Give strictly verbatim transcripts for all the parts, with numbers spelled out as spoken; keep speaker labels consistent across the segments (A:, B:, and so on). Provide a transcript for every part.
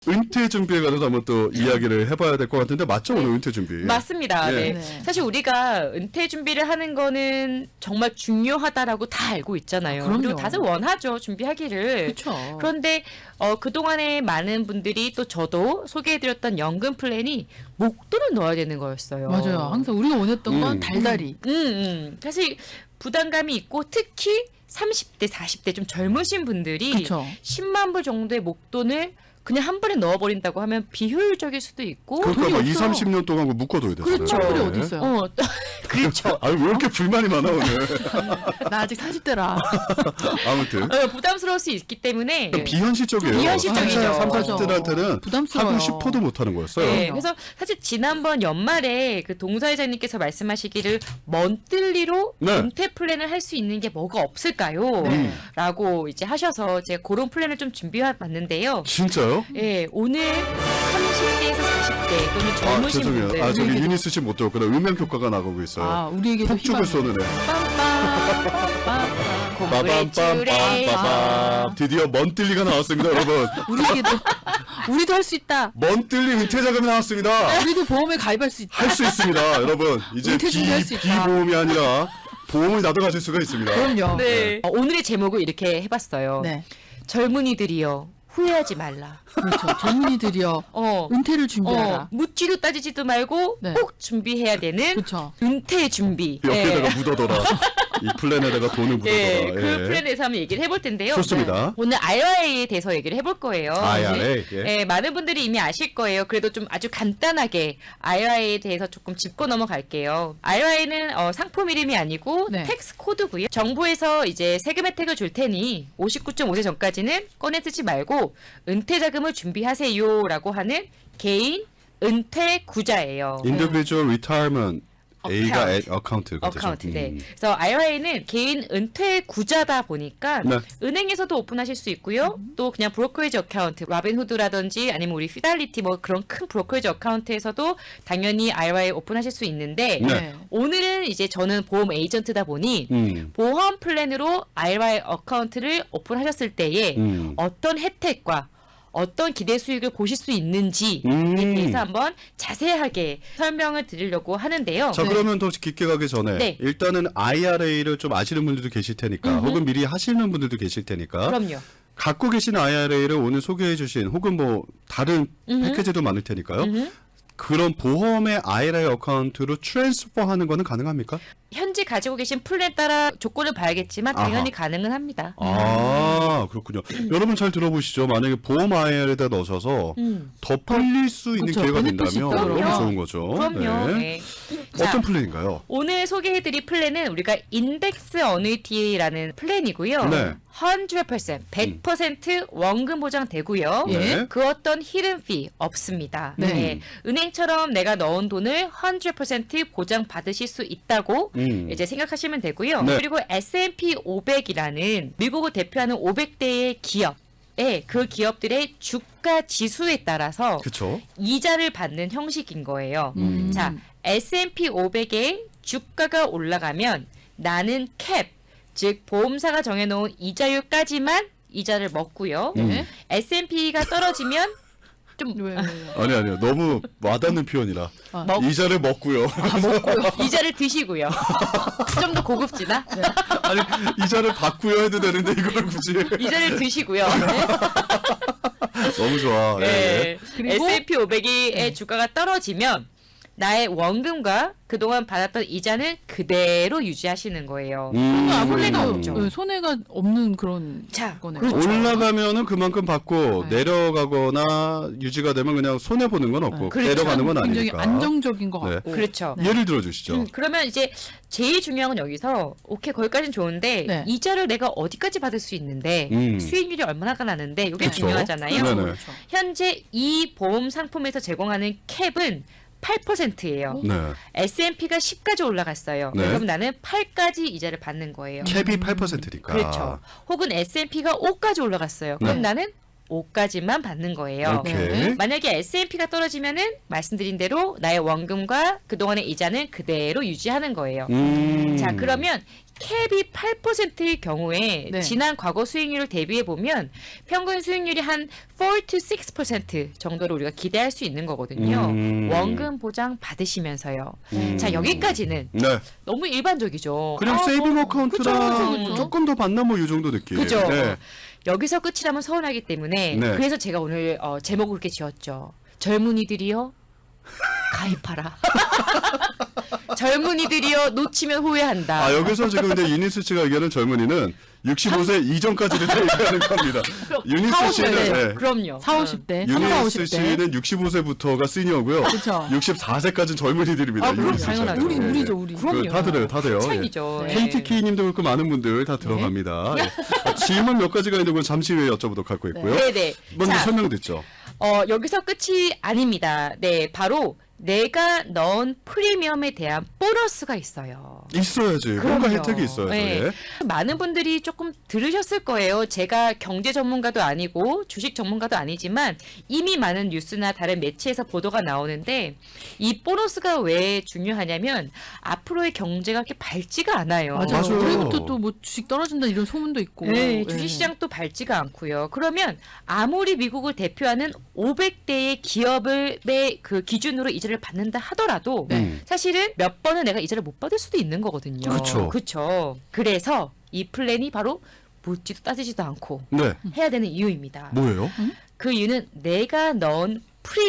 A: 은퇴 준비에 관해서 한번 또 이야기를 해봐야 될 것 같은데 맞죠? 오늘 은퇴 준비.
B: 맞습니다.
A: 네.
B: 네.
C: 네.
B: 사실 우리가 은퇴 준비를 하는 거는 정말 중요하다라고 다 알고 있잖아요.
C: 아, 그럼요.
B: 그리고 다들 원하죠. 준비하기를.
C: 그렇죠.
B: 그런데 어, 그동안에 많은 분들이 또 저도 소개해드렸던 연금 플랜이 목돈을 넣어야 되는 거였어요.
C: 맞아요. 항상 우리가 원했던 건
A: 음.
C: 달달이.
B: 음, 음. 사실 부담감이 있고 특히 삼십 대, 사십 대 좀 젊으신 분들이
C: 그렇죠.
B: 십만 불 정도의 목돈을 그냥 한 번에 넣어버린다고 하면 비효율적일 수도 있고
A: 그러니까
C: 돈이
A: 막
C: 없어.
A: 이, 삼십 년 동안 그 묶어둬야 되잖아요.
B: 그렇죠.
C: 돈이
A: 네.
C: 어디 있어요?
B: 어, 그렇죠.
A: 아유, 왜 이렇게 불만이 많아, 오늘.
C: 나 아직 사십 대라.
A: 아무튼.
B: 어, 부담스러울 수 있기 때문에
A: 비현실적이에요.
B: 비현실적이죠.
A: 삼, 사십
C: 맞아.
A: 대한테는
C: 부담스러워요.
A: 하고 싶어도 못하는 거였어요.
B: 네,
C: 그럼요.
B: 그래서 사실 지난번 연말에 그 동사회장님께서 말씀하시기를 먼뜰리로
A: 네.
B: 은퇴 플랜을 할 수 있는 게 뭐가 없을까요?
A: 음.
B: 라고 이제 하셔서 제가 그런 플랜을 좀 준비해 봤는데요.
A: 진짜요?
B: 예, 오늘 삼십 대에서 사십 대 또는
A: 아,
B: 젊으신
A: 죄송해요.
B: 분들
A: 아, 저기
C: 우리에게도-
A: 유니스 씨 못 들었구나. 음향 효과가 나가고 있어요.
C: 아, 우리에게도
A: 폭죽을 쏘는 애. 빰빰빰빰빰빰. 드디어 먼뜰리가 나왔습니다, 여러분.
C: 우리에게도 우리도 할 수 있다.
A: 먼뜰리 은퇴 자금이 나왔습니다.
C: 우리도 보험에 가입할 수 있다.
A: 할 수 있습니다, 여러분. 이제
C: 은퇴
A: 비,
C: 준비할 수 있다.
A: 비보험이 아니라 보험을 나도 가질 수가 있습니다.
C: 그럼요.
B: 네. 어, 오늘의 제목을 이렇게 해봤어요.
C: 네.
B: 젊은이들이여 후회하지 말라.
C: 그렇죠. 젊은이들이여
B: 어,
C: 은퇴를
B: 어,
C: 준비하라.
B: 묻지도 따지지도 말고
C: 네.
B: 꼭 준비해야 되는
C: 그렇죠.
B: 은퇴 준비.
A: 옆에다가
B: 예.
A: 묻어둬라. 이 플랜에다가 돈을 묻어둬라.
B: 예, 그
A: 예.
B: 플랜에 대해서 한번 얘기를 해볼 텐데요.
A: 좋습니다.
B: 네. 오늘 아이알에이에 대해서 얘기를 해볼 거예요.
A: 아이알에이, 예.
B: 예, 많은 분들이 이미 아실 거예요. 그래도 좀 아주 간단하게 아이알에이에 대해서 조금 짚고 넘어갈게요. 아이알에이는 어, 상품 이름이 아니고
C: 네.
B: 텍스 코드고요. 정부에서 이제 세금 혜택을 줄 테니 오십구 점 오 세 전까지는 꺼내 쓰지 말고 은퇴 자금을 준비하세요라고 하는 개인 은퇴 구자예요.
A: Individual Retirement A가
B: Account.
A: 애- 어카운트.
B: 어카운트. 네. 그래서 아이알에이는 개인 은퇴 구자다 보니까
A: 네.
B: 은행에서도 오픈하실 수 있고요. 또 그냥 브로커리지 어카운트, 라빈후드라든지 아니면 우리 피달리티 뭐 그런 큰 브로커리지 어카운트에서도 당연히 아이알에이 오픈하실 수 있는데
A: 네.
B: 오늘은 이제 저는 보험 에이전트다 보니
A: 음.
B: 보험 플랜으로 아이알에이 어카운트를 오픈하셨을 때에
A: 음.
B: 어떤 혜택과 어떤 기대 수익을 보실 수 있는지에
A: 음.
B: 대해서 한번 자세하게 설명을 드리려고 하는데요.
A: 자,
C: 네.
A: 그러면 더 깊게 가기 전에
B: 네.
A: 일단은 아이알에이를 좀 아시는 분들도 계실 테니까
B: 음흠.
A: 혹은 미리 하시는 분들도 계실 테니까
B: 그럼요.
A: 갖고 계신 아이알에이를 오늘 소개해 주신 혹은 뭐 다른
B: 음흠.
A: 패키지도 많을 테니까요.
B: 음흠.
A: 그런 보험의 아이알에이 어카운트로 트랜스퍼하는 거는 가능합니까?
B: 현재 가지고 계신 플랜에 따라 조건을 봐야겠지만 당연히 가능은 합니다.
A: 아, 그렇군요. 여러분 잘 들어보시죠. 만약에 보험 아이알에이에다 넣으셔서
B: 음.
A: 더 풀릴 수 있는
C: 그렇죠.
A: 기회가
C: 베네핏이
A: 된다면
C: 있다,
A: 너무
B: 그럼요.
A: 좋은 거죠.
B: 그럼요.
A: 네.
B: 네. 자,
A: 어떤 플랜인가요?
B: 오늘 소개해드릴 플랜은 우리가 인덱스 어누이티라는 플랜이고요.
A: 네.
B: 백 퍼센트, 백 퍼센트 원금 보장되고요.
A: 네.
B: 그 어떤 히든 피 없습니다.
C: 네.
B: 네. 은행처럼 내가 넣은 돈을 백 퍼센트 보장 받으실 수 있다고
A: 음.
B: 이제 생각하시면 되고요.
A: 네.
B: 그리고 에스 앤 피 오백이라는 미국을 대표하는 오백 대의 기업, 예, 그 기업들의 주가 지수에 따라서
A: 그렇죠.
B: 이자를 받는 형식인 거예요.
C: 음.
B: 자, 에스 앤 피 오백의 주가가 올라가면 나는 캡, 즉 보험사가 정해놓은 이자율까지만 이자를 먹고요.
A: 음.
B: 에스 앤 피가 떨어지면 좀
C: 왜, 왜, 왜.
A: 아니 아니요. 너무 와닿는 표현이라.
C: 아.
B: 먹,
A: 이자를 먹고요.
B: 이자를 드시고요. 좀 더 고급지나?
A: 아니 이자를 받고요 해도 되는데 이걸 굳이.
B: 이자를 드시고요.
A: 너무 좋아. 예.
B: 네.
C: 그리고-
B: 에스 앤 피 오백의 주가가 떨어지면 나의 원금과 그동안 받았던 이자는 그대로 유지하시는 거예요.
A: 음.
B: 손해가
C: 아무래도
B: 없죠.
C: 네, 손해가 없는 그런
B: 자,
C: 거네요.
B: 그렇죠.
A: 올라가면은 그만큼 받고
C: 네.
A: 내려가거나 유지가 되면 그냥 손해 보는 건 없고
B: 그렇죠.
A: 내려가는 건
C: 굉장히
A: 아니니까.
C: 안정적인 것
A: 네.
C: 같고.
B: 그렇죠.
A: 예를 들어 주시죠.
B: 음, 그러면 이제 제일 중요한 건 여기서 오케이 거기까지는 좋은데
C: 네.
B: 이자를 내가 어디까지 받을 수 있는데
A: 음.
B: 수익률이 얼마나 나는데 이게
A: 그쵸.
B: 중요하잖아요.
A: 네네.
C: 그렇죠.
B: 현재 이 보험 상품에서 제공하는 캡은 팔 퍼센트예요.
A: 네.
B: 에스 앤 피가 십까지 올라갔어요.
A: 네.
B: 그럼 나는 팔까지 이자를 받는 거예요.
A: 캡이 팔 퍼센트니까.
B: 그렇죠. 혹은 에스 앤 피가 오까지 올라갔어요. 그럼
A: 네.
B: 나는 오까지만 받는 거예요.
A: 오케이.
C: 네.
B: 만약에 에스 앤 피가 떨어지면은 말씀드린 대로 나의 원금과 그동안의 이자는 그대로 유지하는 거예요.
A: 음.
B: 자, 그러면 캡이 팔 퍼센트일 경우에
C: 네.
B: 지난 과거 수익률을 대비해 보면 평균 수익률이 한 사 to 육 퍼센트 정도로 우리가 기대할 수 있는 거거든요.
A: 음.
B: 원금 보장 받으시면서요.
A: 음.
B: 자, 여기까지는
A: 네.
B: 너무 일반적이죠.
A: 그냥
B: 아,
A: 세이빙
B: 뭐,
A: 어카운트랑
B: 그쵸, 그쵸, 그쵸.
A: 조금 더 받나 뭐 이 정도 느낌.
B: 그죠.
A: 네.
B: 여기서 끝이라면 서운하기 때문에
A: 네.
B: 그래서 제가 오늘 어, 제목을 그렇게 지었죠. 젊은이들이여 가입하라. 젊은이들이여 놓치면 후회한다.
A: 아 여기서 지금 근데 유니스 씨가 얘기하는 젊은이는 육십오 세 이전까지를 다 얘기하는 겁니다. 유니스 씨는
B: 네.
A: 네.
B: 그럼요.
C: 사오십 대, 삼, 사,
A: 유니스
C: 오십 대.
A: 씨는 육십오 세부터가 시니어고요.
C: 그렇죠.
A: 육십사 세까지는 젊은이들입니다.
B: 아, 그럼
A: 유니스 씨는.
B: 당연하죠.
C: 우리
A: 네.
C: 우리죠, 우리.
B: 그럼요.
A: 다 들어요, 다 돼요.
B: 차이죠.
C: 네.
A: 케이티케이님도 그렇고 많은 분들 다 들어갑니다. 예. 질문 몇 가지가 있는 건 잠시 후에 여쭤보도록 할 거 있고요.
B: 네네.
A: 먼저
B: 자,
A: 설명됐죠.
B: 어, 여기서 끝이 아닙니다. 네, 바로 내가 넣은 프리미엄에 대한 보너스가 있어요.
A: 있어야지. 뭔가
B: 그럼요.
A: 혜택이 있어야죠.
B: 네.
A: 예.
B: 많은 분들이 조금 들으셨을 거예요. 제가 경제 전문가도 아니고 주식 전문가도 아니지만 이미 많은 뉴스나 다른 매체에서 보도가 나오는데 이 보너스가 왜 중요하냐면 앞으로의 경제가 그렇게 밝지가 않아요.
C: 맞아요.
A: 맞아요.
C: 올해부터 또 뭐 주식 떨어진다 이런 소문도 있고.
B: 네, 주식시장도 밝지가 않고요. 그러면 아무리 미국을 대표하는 오백 대의 기업의 그 기준으로 이자를 받는다 하더라도
C: 네.
B: 사실은 몇 번은 내가 이자를 못 받을 수도 있는 거거든요.
A: 그렇죠.
B: 그렇죠. 그래서 이 플랜이 바로 묻지도 따지지도 않고
A: 네.
B: 해야 되는 이유입니다.
A: 뭐예요?
B: 그 이유는 내가 넣은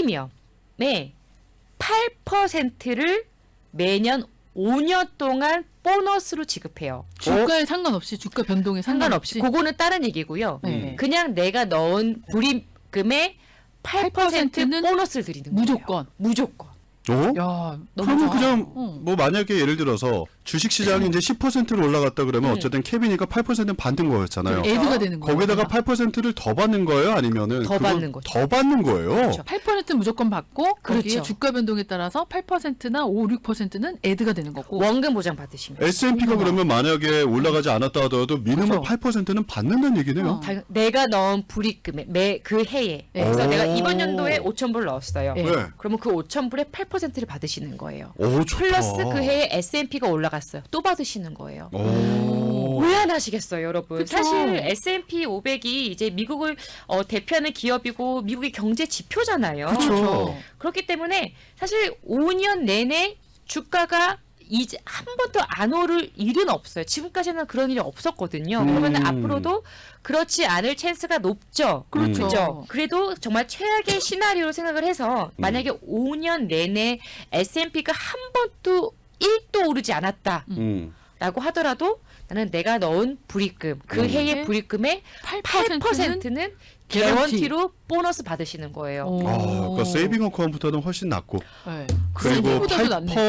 B: 프리미엄의 팔 퍼센트를 매년 오 년 동안 보너스로 지급해요.
C: 주가에 상관없이 주가 변동에
B: 상관없이.
C: 상관없이.
B: 그거는 다른 얘기고요.
C: 네.
B: 그냥 내가 넣은 불임금의 팔 퍼센트
C: 팔 퍼센트는
B: 보너스를 드리는 거예요.
C: 무조건.
B: 무조건.
A: 어?
C: 야, 너무
A: 그러면
C: 좋아.
A: 그냥
C: 어.
A: 뭐 만약에 예를 들어서 주식 시장이 이제 십 퍼센트로 올라갔다 그러면
B: 음.
A: 어쨌든 캡이니까 팔 퍼센트는 받는 거였잖아요.
C: 애드가 되는 거예요.
A: 거기다가 팔 퍼센트를 더 받는 거예요? 아니면은
B: 더
A: 그걸
B: 받는 거죠.
A: 더 받는 거예요?
B: 그렇죠.
C: 팔 퍼센트 무조건 받고 거기에
B: 그렇죠.
C: 주가 변동에 따라서 팔 퍼센트나 오, 육 퍼센트는 애드가 되는 거고.
B: 원금 보장 받으시면.
A: 에스 앤 피가 그러면 만약에 올라가지 않았다 하더라도 미니멈
C: 그렇죠.
A: 팔 퍼센트는 받는다는 얘기네요.
C: 어.
B: 당- 내가 넣은 불입금에 매 그 해에.
C: 네.
B: 그래서
A: 오.
B: 내가 이번 연도에 오천 불 넣었어요.
C: 네.
A: 네.
B: 그러면 그 오천 불의 팔 퍼센트를 받으시는 거예요.
A: 오, 좋다.
B: 플러스 그 해에 에스 앤 피가 올라갔어요. 또 받으시는 거예요.
A: 오.
B: 왜 안 하시겠어요, 여러분?
C: 그쵸.
B: 사실 에스 앤 피 오백이 이제 미국을 어, 대표하는 기업이고 미국의 경제 지표잖아요.
A: 그쵸.
B: 그렇기 때문에 사실 오 년 내내 주가가 이제 한 번도 안 오를 일은 없어요. 지금까지는 그런 일이 없었거든요.
A: 음.
B: 그러면 앞으로도 그렇지 않을 찬스가 높죠.
C: 그렇죠.
B: 그죠? 그래도 정말 최악의 시나리오로 생각을 해서 만약에 오 년 내내 에스 앤 피가 한 번도 일도 오르지 않았다.
A: 음.
B: 라고 하더라도 나는 내가 넣은 불입금 그
A: 음.
B: 해의 불입금의 팔 퍼센트는 개런티로 보너스 받으시는 거예요.
C: 오.
A: 아, 그러니까 세이빙 어카운트보다는 훨씬 낫고
C: 네.
A: 그리고
C: 세이빙보다도
A: 팔
C: 낫네.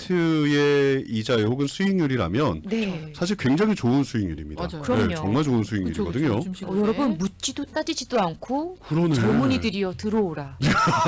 A: 퍼센트의 이자 혹은 수익률이라면
B: 네.
A: 사실 굉장히 좋은 수익률입니다.
C: 맞아요.
B: 그럼요.
A: 네, 정말 좋은
C: 그쵸,
A: 수익률이거든요.
C: 그쵸, 주식을.
B: 어, 여러분 묻지도 따지지도 않고
A: 그러네.
B: 젊은이들이여 들어오라.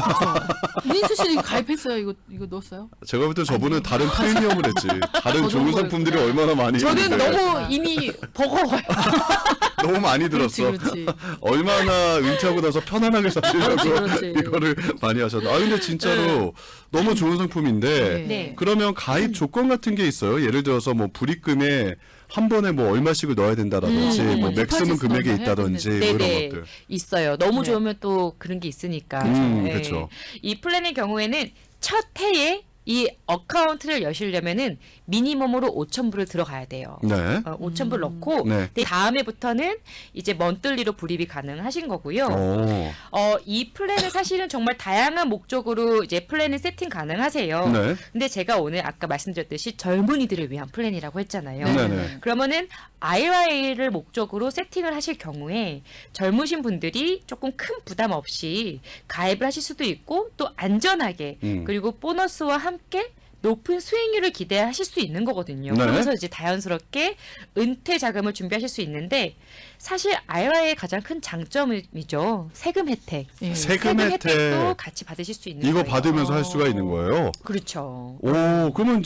C: 민수 씨 이거 가입했어요? 이거 이거 넣었어요?
A: 제가 볼 때 저분은 다른 프리미엄을 했지. 다른
C: 더
A: 좋은
C: 좋은
A: 상품들이
C: 거였구나.
A: 얼마나 많이
B: 저는
A: 있는데
B: 너무 이미 버거워요.
A: 너무 많이 들었어.
C: 그렇지, 그렇지.
A: 얼마나 은퇴하고 나서 편안하게 사시려고
C: 그렇지, 그렇지.
A: 이거를 많이 하셨나. 아 근데 진짜로 너무 좋은 상품인데
B: 네.
A: 그러면 가입 조건 같은 게 있어요. 예를 들어서 뭐 불입금에 한 번에 뭐 얼마씩을 넣어야 된다든지
B: 음,
A: 뭐
C: 음,
A: 맥스멈
C: 디파짓
A: 금액이
C: 넣어야
A: 있다든지 뭐
B: 네네.
A: 이런 것들.
B: 있어요. 너무
C: 네.
B: 좋으면 또 그런 게 있으니까.
A: 음,
B: 네.
A: 그쵸.
B: 이 플랜의 경우에는 첫 해에 이 어카운트를 여시려면은 미니멈으로 오천 불을 들어가야 돼요.
A: 네.
B: 어, 오천 불 넣고
A: 네.
B: 그 다음에부터는 이제 먼들리로 불입이 가능하신 거고요.
A: 오.
B: 어, 이 플랜은 사실은 정말 다양한 목적으로 이제 플랜을 세팅 가능하세요.
A: 네.
B: 근데 제가 오늘 아까 말씀드렸듯이 젊은이들을 위한 플랜이라고 했잖아요.
A: 네, 네.
B: 그러면은 아이알에이를 목적으로 세팅을 하실 경우에 젊으신 분들이 조금 큰 부담 없이 가입을 하실 수도 있고 또 안전하게
A: 음.
B: 그리고 보너스와 함께 높은 수익률을 기대하실 수 있는 거거든요.
A: 네.
B: 그러면서 이제 자연스럽게 은퇴 자금을 준비하실 수 있는데 사실 아이알에이의 가장 큰 장점이죠. 세금 혜택.
C: 예.
A: 세금
B: 세금
A: 혜택
B: 혜택도 같이 받으실 수 있는
A: 이거
B: 거예요.
A: 받으면서 할 수가 있는 거예요.
B: 그렇죠.
A: 오, 그러면 이제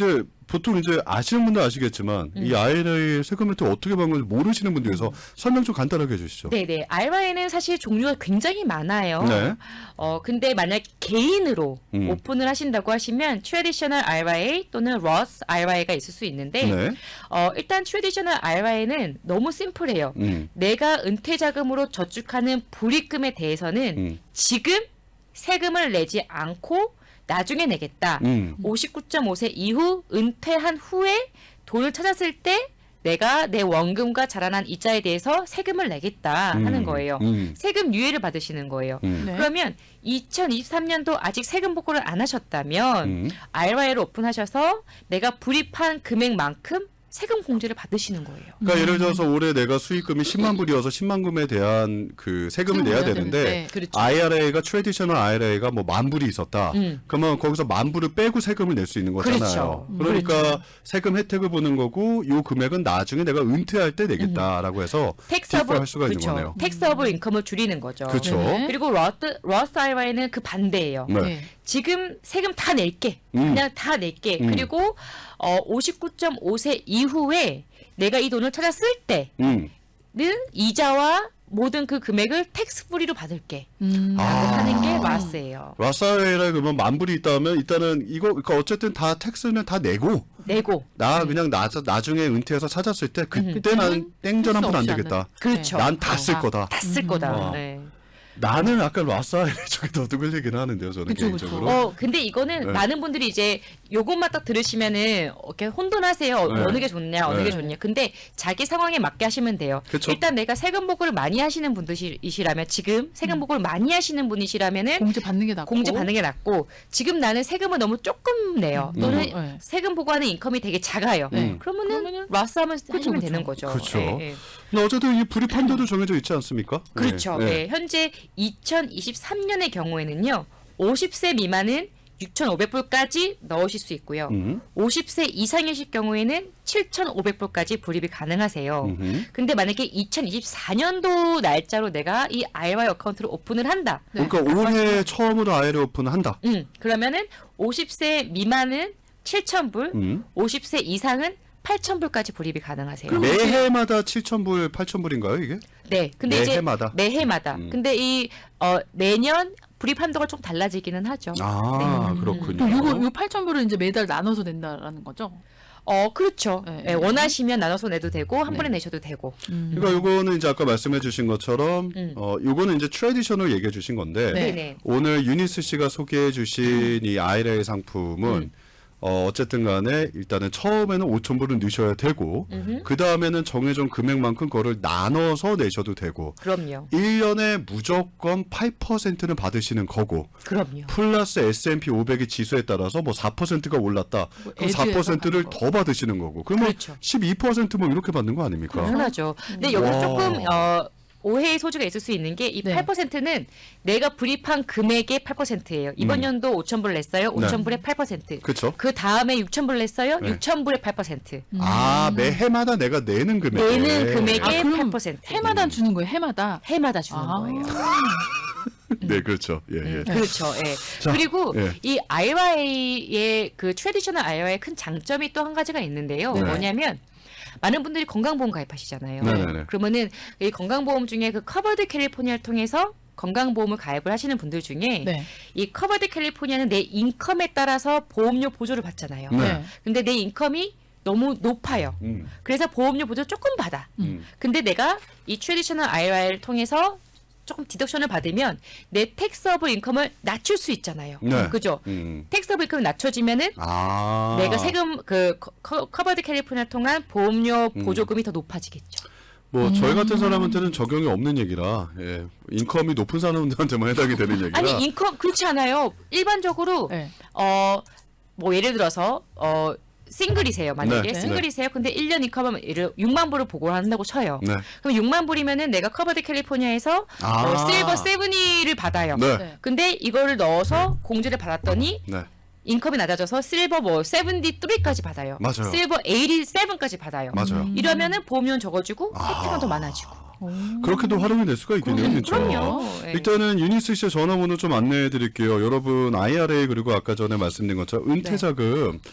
A: 보통 이제 아시는 분들 아시겠지만
B: 음.
A: 이 아이알에이 세금 혜택 어떻게 받는 건지 모르시는 분들 위해서 설명 좀 간단하게 해주시죠.
B: 네네. 알아이에이는 사실 종류가 굉장히 많아요.
A: 네.
B: 어, 근데 만약 개인으로
A: 음.
B: 오픈을 하신다고 하시면 트래디셔널 알아이에이 또는 로스 알아이에이가 있을 수 있는데
A: 네.
B: 어, 일단 트래디셔널 알아이에이는 너무 심플해요.
A: 음.
B: 내가 은퇴 자금으로 저축하는 불입금에 대해서는
A: 음.
B: 지금 세금을 내지 않고 나중에 내겠다.
A: 음.
B: 오십구 점 오 세 이후 은퇴한 후에 돈을 찾았을 때 내가 내 원금과 자라난 이자에 대해서 세금을 내겠다 하는
A: 음.
B: 거예요.
A: 음.
B: 세금 유예를 받으시는 거예요.
A: 음.
C: 네.
B: 그러면 이천이십삼 년도 아직 세금 보고를 안 하셨다면
A: 음.
B: 알아이에이를 오픈하셔서 내가 불입한 금액만큼 세금 공제를 받으시는 거예요.
A: 그러니까 예를 들어서 올해 내가 수익금이 십만 불이어서 십만 금에 대한 그 세금을
C: 세금을
A: 내야
C: 내야
A: 되는데
C: 되는데,
B: 그렇죠.
A: 아이알에이가 트래디셔널 아이알에이가 뭐 만 불이 있었다.
B: 음.
A: 그러면 거기서 만 불을 빼고 세금을 낼 수 있는 거잖아요.
B: 그렇죠. 음,
A: 그러니까
B: 그렇죠.
A: 세금 혜택을 보는 거고 요 금액은 나중에 내가 은퇴할 때 내겠다라고 해서
B: 텍스업을
A: 디퍼할 수가 있는
B: 그렇죠.
A: 거네요.
B: 텍스업을 인컴을 줄이는 거죠.
A: 그렇죠.
C: 네.
B: 그리고 러스 러스 알아이에이는 그 반대예요.
A: 네.
C: 네.
B: 지금 세금 다 낼게.
A: 음.
B: 그냥 다 낼게.
A: 음.
B: 그리고 어, 오십구 점 오 세 이후에 내가 이 돈을 찾았을 때는
A: 음.
B: 이자와 모든 그 금액을 텍스 프리로 받을게.
C: 음.
A: 아.
B: 라고 하는 게 라스예요.
A: 라사웨이라 그러면 만 불이 있다면 일단은 이거 그러니까 어쨌든 다 텍스는 다 내고
B: 내고.
A: 나 그냥 나 나중에 은퇴해서 찾았을 때 그때 나는 땡전 한 푼 안
C: 텍스 없이
A: 되겠다.
B: 그렇죠.
A: 난 다 쓸
C: 아.
A: 거다.
B: 다 쓸
C: 음.
B: 거다.
A: 와.
B: 네.
A: 나는 아까 라사웨이 쪽에 더 끌리긴 하는데요, 저는
C: 그쵸,
A: 개인적으로.
C: 그쵸.
B: 어, 근데 이거는
A: 네.
B: 많은 분들이 이제 요것만 딱 들으시면은 이렇게 혼돈하세요. 어,
A: 네.
B: 어느 게 좋냐, 어느
A: 네.
B: 게 좋냐. 근데 자기 상황에 맞게 하시면 돼요.
A: 그쵸.
B: 일단 내가 세금 보고를 많이 하시는 분들이시라면 지금 세금 보고를 많이 하시는 분이시라면은
C: 공제 받는 게 낫고.
B: 공제 받는 게 낫고 지금 나는 세금을 너무 조금 내요. 또는
C: 음. 네.
B: 세금 보고하는 인컴이 되게 작아요.
A: 네.
B: 그러면은
C: 그러면은-
B: 라스 하면
C: 그쵸,
B: 하시면
C: 그쵸.
B: 되는 거죠.
A: 그쵸.
B: 예, 예.
A: 근데 어쨌든 이 불입 한도도 정해져 있지 않습니까?
B: 그렇죠.
A: 네.
B: 네. 현재 이천이십삼 년의 경우에는요. 오십 세 미만은 육천오백 불까지 넣으실 수 있고요.
A: 음.
B: 오십 세 이상이실 경우에는 칠천오백 불까지 불입이 가능하세요.
A: 음흠.
B: 근데 만약에 이천이십사 년도 날짜로 내가 이 아이와이 어카운트를 오픈을 한다.
C: 네.
A: 그러니까 올해 처음으로 아이를 오픈한다.
B: 음, 그러면은 오십 세 미만은 칠천 불,
A: 음.
B: 오십 세 이상은 팔천 불까지 불입이 가능하세요.
A: 매해마다 칠천 불, 팔천 불인가요, 이게?
B: 네, 근데 이제
A: 매해마다.
B: 매해마다.
A: 음.
B: 근데 이 어, 내년 불입 한도가 좀 달라지기는 하죠.
A: 아,
B: 네.
A: 그렇군요.
C: 그럼 요거 요 팔천 불을 이제 매달 나눠서 낸다라는 거죠.
B: 어, 그렇죠.
C: 네.
B: 예, 원하시면 나눠서 내도 되고 한
A: 네.
B: 번에 내셔도 되고.
C: 음.
A: 그러니까 요거는 이제 아까 말씀해 주신 것처럼
B: 음.
A: 어 요거는 이제 트래디셔널 얘기해 주신 건데
C: 네.
B: 네네.
A: 오늘 유니스 씨가 소개해 주신 이 아이레이 상품은
B: 음.
A: 어 어쨌든 간에 일단은 처음에는 오천 불은 넣으셔야 되고
B: 음흠.
A: 그다음에는 정해진 금액만큼 그거를 나눠서 내셔도 되고
B: 그럼요.
A: 일 년에 무조건 팔 퍼센트는 받으시는 거고
B: 그럼요.
A: 플러스 에스 앤 피 오백의 지수에 따라서 뭐 사 퍼센트가 올랐다.
C: 뭐
A: 그럼 사
C: 에듀에서
A: 퍼센트를
C: 받는 거.
A: 더 받으시는 거고. 그러면
B: 그렇죠.
A: 십이 퍼센트 뭐 이렇게 받는 거 아닙니까?
B: 당연하죠. 근데 여기서
A: 와.
B: 조금 어, 오해의 소지가 있을 수 있는 게 이
C: 네.
B: 팔 퍼센트는 내가 불입한 금액의 팔 퍼센트예요. 이번
A: 음.
B: 연도 오천 불 냈어요.
A: 네.
B: 오천 불에 팔 퍼센트.
A: 그렇죠.
B: 그 다음에 육천 불 냈어요.
A: 네.
B: 육천 불에 팔 퍼센트.
A: 아, 매해마다 내가 내는 금액.
B: 내는 금액의
C: 아, 그럼
B: 팔 퍼센트.
C: 해마다 주는 거예요. 해마다.
B: 해마다 주는
C: 아.
B: 거예요.
A: 네, 그렇죠. 예, 예.
B: 그렇죠. 예.
A: 자,
B: 그리고
A: 예.
B: 이 아이와이의 그 트래디셔널 아이와이의 큰 장점이 또 한 가지가 있는데요.
A: 네.
B: 뭐냐면 많은 분들이 건강보험 가입하시잖아요.
A: 네네네.
B: 그러면은 이 건강보험 중에 그 커버드 캘리포니아를 통해서 건강보험을 가입을 하시는 분들 중에
C: 네.
B: 이 커버드 캘리포니아는 내 인컴에 따라서 보험료 보조를 받잖아요.
A: 네.
C: 네.
B: 근데 내 인컴이 너무 높아요.
A: 음,
B: 그래서 보험료 보조 조금 받아.
A: 음.
B: 근데 내가 이 트래디셔널 아이와이를 통해서 조금 디덕션을 받으면 내 텍스업을 인컴을 낮출 수 있잖아요.
A: 네.
B: 그죠?
A: 음.
B: 텍스업 인컴이 낮춰지면은
A: 아.
B: 내가 세금 그 커- 커버드 캘리포니아 통한 보험료
A: 음.
B: 보조금이 더 높아지겠죠.
A: 뭐 저희
B: 음.
A: 같은 사람한테는 적용이 없는 얘기라. 예. 인컴이 높은 사람들한테만 해당이 되는 얘기라.
B: 아니 인컴 그렇지 않아요. 일반적으로
C: 네.
B: 어 뭐 예를 들어서 어 싱글이세요. 만약에
A: 네.
B: 싱글이세요. 근데 일 년 인컴은 예를 육만 불을 보고한다고 쳐요.
A: 네.
B: 그럼 육만 불이면은 내가 커버드 캘리포니아에서
A: 아.
B: 어, 실버 세븐이를 받아요.
A: 네.
C: 네.
B: 근데 이거를 넣어서 공제를 받았더니
A: 네.
B: 인컴이 낮아져서 실버 뭐 칠십삼까지 받아요.
A: 맞아요.
B: 실버 팔십칠까지 받아요.
A: 맞아요.
C: 음.
B: 이러면은 보험료는 적어지고
A: 아.
B: 혜택은 더 많아지고.
C: 오.
A: 그렇게도 활용이 될 수가 있겠네요,
C: 그럼요.
A: 진짜.
B: 그럼요. 예.
A: 일단은 유니스 씨의 전화번호 좀 안내해 드릴게요. 여러분 아이알에이 그리고 아까 전에 말씀드린 것처럼 은퇴자금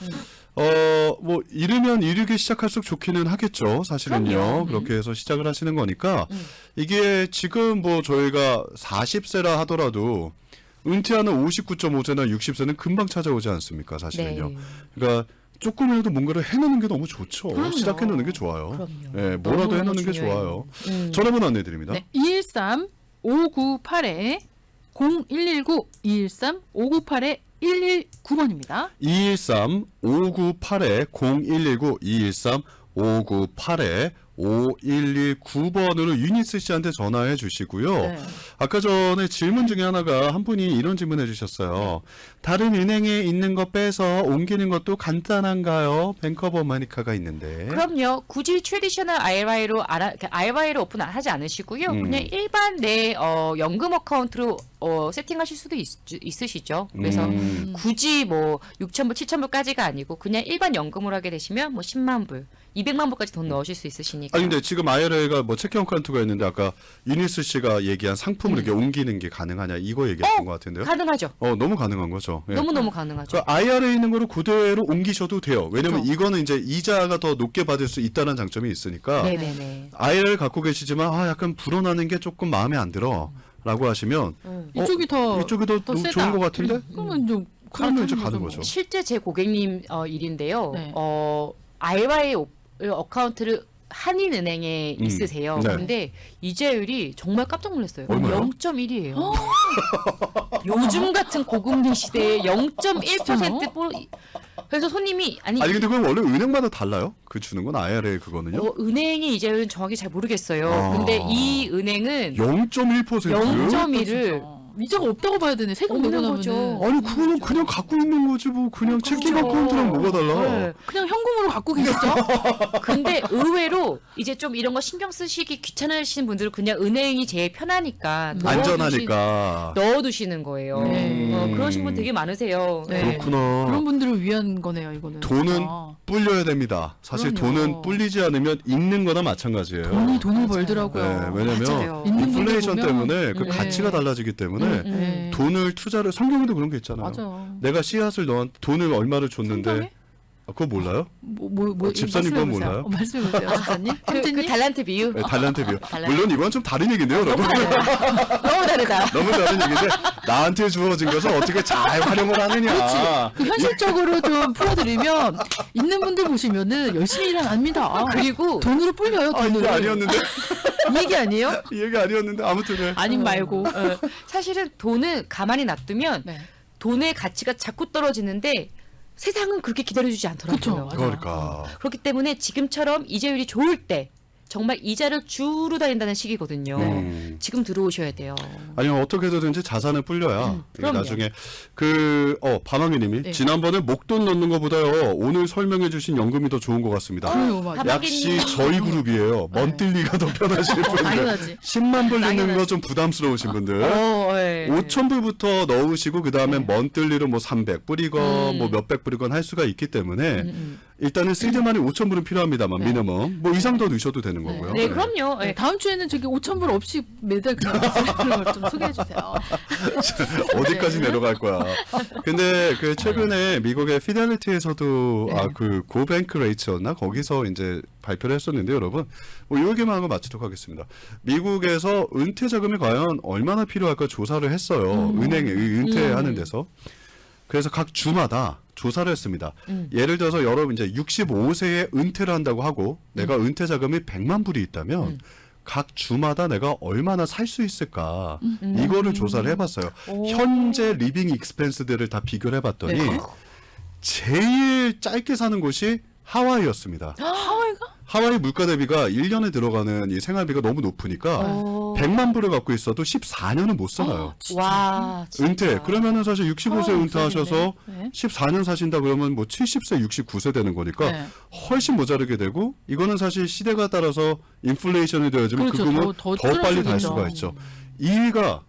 A: 어, 뭐 이르면 이르게 시작할수록 좋기는 하겠죠. 사실은요.
B: 그럼요.
A: 그렇게 해서 시작을 하시는 거니까
B: 음.
A: 이게 지금 뭐 저희가 사십 세라 하더라도 은퇴하는 오십구 점 오 세나 육십 세는 금방 찾아오지 않습니까? 사실은요.
B: 네.
A: 그러니까 조금이라도 뭔가를 해놓는 게 너무 좋죠.
C: 그럼요.
A: 시작해놓는 게 좋아요.
B: 그럼요.
A: 네, 뭐라도
B: 너무너무
A: 해놓는 게
B: 중요해요.
A: 좋아요.
B: 음.
A: 전화번호 안내드립니다.
C: 네. 이일삼 오구팔 공일일구 이일삼 오구팔 일일구 번입니다.
A: 이일삼 오구팔 공일일구 이일삼 오구팔 오일일구 번으로 유니스 씨한테 전화해 주시고요.
C: 네.
A: 아까 전에 질문 중에 하나가 한 분이 이런 질문 해주셨어요. 다른 은행에 있는 거 빼서 옮기는 것도 간단한가요? 뱅커버 마니카가 있는데.
B: 그럼요. 굳이 트레디셔널 아이알아이로 알아, 아이알아이를 오픈 하지 않으시고요.
A: 음.
B: 그냥 일반 내 어, 연금 어카운트로 어, 세팅하실 수도 있, 있으시죠. 그래서
A: 음.
B: 굳이 뭐 육천 불, 칠천 불까지가 아니고 그냥 일반 연금으로 하게 되시면 뭐 십만 불, 이백만 불까지 돈 넣으실 수 있으시니까.
A: 아니 근데 지금 아이알아이가 뭐 체크 어카운트가 있는데 아까 유니스 씨가 얘기한 상품을 이렇게 옮기는 게 가능하냐 이거 얘기했던 것 같은데요.
B: 가능하죠.
A: 어 너무 가능한 거죠. 예.
B: 너무너무 가능하죠.
A: 그 아이알아이에 있는 거를 그대로 옮기셔도 돼요. 왜냐면
B: 그렇죠.
A: 이거는 이제 이자가 더 높게 받을 수 있다는 장점이 있으니까.
B: 네네네.
A: 아이알아이를 갖고 계시지만 아 약간 불어나는 게 조금 마음에 안 들어 라고 하시면
B: 음.
A: 어,
C: 이쪽이 더
A: 이쪽이 더,
C: 더
A: 너-
C: 세다.
A: 좋은 것 같은데?
C: 그러면 좀
A: 그러면 이제
C: 갈아타는
A: 가는
C: 뭐.
A: 거죠.
B: 실제 제 고객님 어, 일인데요.
C: 네.
B: 어, 아이알아이 어카운트를 한인은행에
A: 음,
B: 있으세요.
A: 네.
B: 근데 이자율이 정말 깜짝 놀랐어요.
A: 얼마요?
B: 영 점 일이에요. 요즘 같은 고금리 시대에 영 점 일 퍼센트 뽀... 그래서 손님이 아니,
A: 아니 근데 그건 원래 은행마다 달라요? 그 주는 건 아이알아이 그거는요?
B: 어, 은행의 이자율은 정확히 잘 모르겠어요.
A: 아.
B: 근데 이 은행은
A: 영 점 일 퍼센트?
B: 영 점 일을
C: 진짜. 이자가 없다고 봐야 되네. 세금
B: 없는
C: 내고
B: 거죠.
C: 나면은
A: 아니 그거는 그냥 갖고 있는 거지 뭐 그냥 체킹
B: 그렇죠.
A: 어카운트랑 뭐가 달라?
B: 네.
C: 그냥 현금으로 갖고 계시죠?
B: 근데 의외로 이제 좀 이런 거 신경 쓰시기 귀찮으신 분들은 그냥 은행이 제일 편하니까 넣어두시-
A: 안전하니까.
B: 넣어두시는 거예요.
C: 네.
B: 어, 그러신 분 되게 많으세요.
C: 네.
A: 그렇구나.
C: 그런 분들을 위한 거네요, 이거는.
A: 돈은
C: 진짜.
A: 불려야 됩니다. 사실
C: 그럼요.
A: 돈은 불리지 않으면 잃는 거나 마찬가지예요.
C: 돈이 돈을
B: 맞아요.
C: 벌더라고요.
A: 네, 왜냐면
B: 맞아요.
C: 있는
A: 인플레이션
C: 분들 보면,
A: 때문에 그
C: 네.
A: 가치가 달라지기 때문에
B: 음, 음.
C: 네.
A: 돈을 투자를 성경에도 그런 게 있잖아요.
C: 맞아요.
A: 내가 씨앗을 넣은 돈을 얼마를 줬는데
C: 성경에?
A: 아, 그거 몰라요?
C: 뭐, 뭐, 뭐,
A: 어, 집사님 건
C: 말씀해보세요.
A: 몰라요?
C: 어, 말씀해보세요, 집사님.
B: 그, 그
C: 형제님?
B: 달란트 비유
A: 네, 달란트 비유.
B: 달란트.
A: 물론 이건 좀 다른 얘기인데요, 여러분.
B: 너무 다르다.
A: 너무 다른 얘기인데 나한테 주어진 것을 어떻게 잘 활용을 하느냐.
C: 그 현실적으로 좀 풀어드리면 있는 분들 보시면은 열심히 일 안 합니다.
B: 그리고
C: 돈으로 불려요,
A: 아
C: 돈으로.
A: 이게 아니었는데
C: 이 얘기 아니에요?
A: 이 얘기 아니었는데 아무튼 네.
C: 아님 말고.
B: 어, 사실은 돈은 가만히 놔두면
C: 네.
B: 돈의 가치가 자꾸 떨어지는데 세상은 그렇게 기다려주지 않더라고요.
C: 그쵸, 맞아요.
A: 그러니까
B: 그렇기 때문에 지금처럼 이자율이 좋을 때 정말 이자를 주로 다닌다는 시기거든요.
A: 음.
B: 지금 들어오셔야 돼요.
A: 아니면 어떻게 해서든지 자산을 불려야
B: 음,
A: 이게
B: 그럼요.
A: 나중에 그어 밤왕이님이
C: 네.
A: 지난번에 목돈 넣는 것보다요 오늘 설명해주신 연금이 더 좋은 것 같습니다.
C: 그래요, 맞아요.
B: 다-
A: 역시 저희 그룹이에요.
C: 네.
A: 먼뜰리가 더 편하실 분들.
C: 당연하지.
A: 십만 불 넣는
C: 당연하지.
A: 거 좀 부담스러우신 분들.
B: 어, 예.
A: 오천 불부터 넣으시고 그 다음에
B: 네.
A: 먼뜰리로 뭐 삼백 불이건
B: 음.
A: 뭐 몇백 불이건 할 수가 있기 때문에
B: 음, 음.
A: 일단은 쓸때만이 오천 불은 필요합니다만
C: 네.
A: 미니멈 뭐 이상 더 넣으셔도 되는 거고요.
B: 네, 그럼요.
C: 네,
B: 예.
C: 다음 주에는 저기 오천 불 없이 매달 그냥 그런 걸 좀 소개해 주세요.
A: 어디까지 내려갈 거야. 근데 그 최근에 미국의 피델리티에서도
C: 네.
A: 아 그 고뱅크 레이츠였나 거기서 이제 발표를 했었는데 여러분 뭐이 얘기만 하고 마치도록 하겠습니다. 미국에서 은퇴 자금이 과연 얼마나 필요할까 조사를 했어요.
C: 음.
A: 은행에 은퇴하는
B: 음.
A: 데서. 그래서 각 주마다 조사를 했습니다.
B: 음.
A: 예를 들어서 여러분 이제 육십오 세에 은퇴를 한다고 하고 내가 은퇴 자금이 백만 불이 있다면
B: 음.
A: 각 주마다 내가 얼마나 살 수 있을까
B: 음.
A: 이거를 조사를 해봤어요.
B: 오.
A: 현재 리빙 익스펜스들을 다 비교를 해봤더니
C: 네.
A: 제일 짧게 사는 곳이 하와이였습니다.
C: 하와이가?
A: 하와이 물가 대비가 일 년에 들어가는 이 생활비가 너무 높으니까
B: 오.
A: 백만 불을 갖고 있어도 십사 년은 못 살아요.
B: 와, 진짜.
A: 은퇴. 그러면은 사실 육십오 세
C: 하와이
A: 은퇴하셔서
C: 네.
A: 십사 년 사신다 그러면 뭐 칠십 세, 육십구 세 되는 거니까
C: 네.
A: 훨씬 모자르게 되고 이거는 사실 시대가 따라서 인플레이션이 되어지면
C: 그렇죠.
A: 그금은
C: 더-
A: 더,
C: 더
A: 빨리 달
C: 떨어지겠죠.
A: 수가 있죠. 이 위가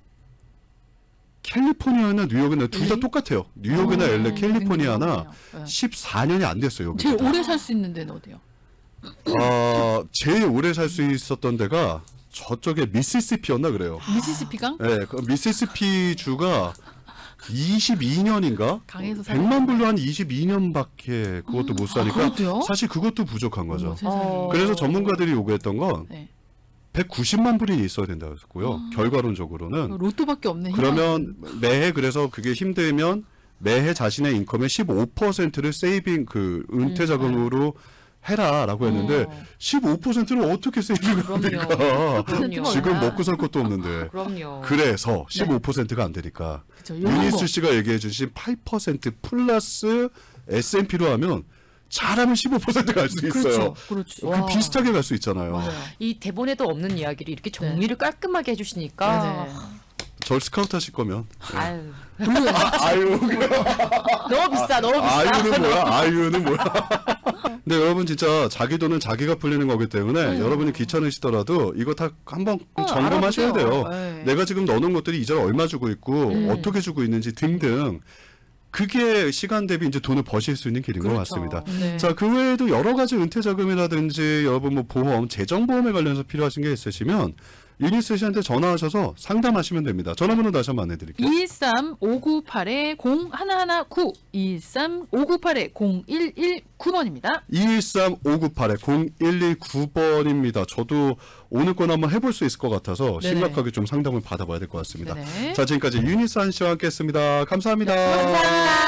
A: 캘리포니아나 뉴욕이나 둘 다
B: 엘에이?
A: 똑같아요. 뉴욕이나
C: 음,
A: 엘에이, 캘리포니아나
C: 네.
A: 십사 년이 안 됐어요.
C: 제일
A: 여기보다.
C: 오래 살 수 있는 데는 어디요?
A: 어, 제일 오래 살 수 있었던 데가 저쪽에 미시시피였나 그래요.
C: 미시시피강?
A: 네, 그 미시시피 주가 이십이 년인가?
C: 강에서
A: 백만 불로 한 이십이 년밖에 그것도 못 사니까
C: 그렇대요?
A: 사실 그것도 부족한 거죠.
C: 어머, 세상에.
B: 어.
A: 그래서 전문가들이 요구했던 건
C: 네.
A: 백구십만 불이 있어야 된다고 했고요. 결과론적으로는.
C: 로또밖에 없네.
A: 그러면 매해 그래서 그게 힘들면 매해 자신의 인컴의 십오 퍼센트를 세이빙 그 은퇴 자금으로 해라라고 했는데
B: 어.
A: 십오 퍼센트를 어떻게 세이빙을 합니까?
B: 그럼요.
A: 지금 먹고 살 것도 없는데.
B: 그럼요.
A: 그래서 십오 퍼센트가 안 되니까
C: 그쵸, 요런
A: 유니스
C: 거.
A: 씨가 얘기해 주신 팔 퍼센트 플러스 에스 앤 피로 하면 잘하면 십오 퍼센트 갈 수 있어요.
C: 그렇죠. 그렇죠.
A: 그 비슷하게 갈 수 있잖아요.
C: 맞아요.
B: 이 대본에도 없는 이야기를 이렇게 정리를 깔끔하게 해주시니까
C: 네네.
A: 절 스카우트 하실 거면
B: 아유
A: 아, 아유
B: 너무 비싸 너무 비싸.
A: 아유는 뭐야? 아유는 뭐야? 근데 여러분 진짜 자기 돈은 자기가 풀리는 거기 때문에 여러분이 귀찮으시더라도 이거 다 한번
C: 어,
A: 점검하셔야
C: 알아보세요.
A: 돼요.
C: 네.
A: 내가 지금 넣어놓은 것들이 이자를 얼마 주고 있고
B: 음.
A: 어떻게 주고 있는지 등등 그게 시간 대비 이제 돈을 버실 수 있는 길인 것
B: 그렇죠.
A: 같습니다.
C: 네.
A: 자, 그 외에도 여러 가지 은퇴 자금이라든지 여러분 뭐 보험, 재정보험에 관련해서 필요하신 게 있으시면 유니스 씨한테 전화하셔서 상담하시면 됩니다. 전화번호 다시 한번 안내 드릴게요.
C: 이일삼 오구팔 공일일구 이일삼 오구팔 공일일구 번입니다.
A: 이일삼 오구팔 공일일구 번입니다. 저도 오늘 건 한번 해볼 수 있을 것 같아서
C: 네네.
A: 심각하게 좀 상담을 받아봐야 될 것 같습니다.
C: 네네.
A: 자, 지금까지 유니스 한 씨와 함께 했습니다. 감사합니다.
B: 감사합니다.